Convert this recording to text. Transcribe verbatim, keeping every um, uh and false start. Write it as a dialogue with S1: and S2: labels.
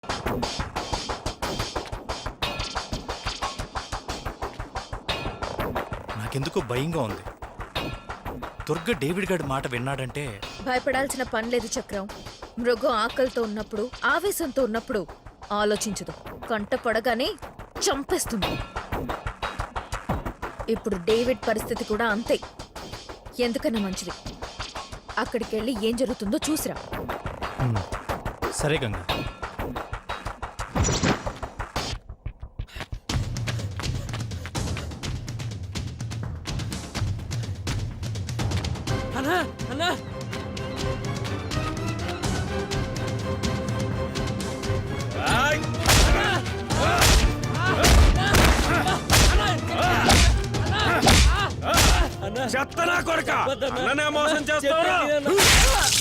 S1: నాకెందుకో భయంగా ఉంది. దుర్గ డేవిడ్ గారి మాట విన్నాడంటే
S2: భయపడాల్సిన పని లేదు చక్రం. మృగం ఆకలితో ఉన్నప్పుడు, ఆవేశంతో ఉన్నప్పుడు ఆలోచించదు, కంట పడగానే చంపేస్తుంది. ఇప్పుడు డేవిడ్ పరిస్థితి కూడా అంతే. ఎందుకన్నా మంచిది అక్కడికెళ్ళి ఏం జరుగుతుందో చూసిరా.
S1: సరే గంగా.
S3: అన్నా అన్నా
S4: చెత్తనా కొడక అన్ననే మోసం చేస్తావు.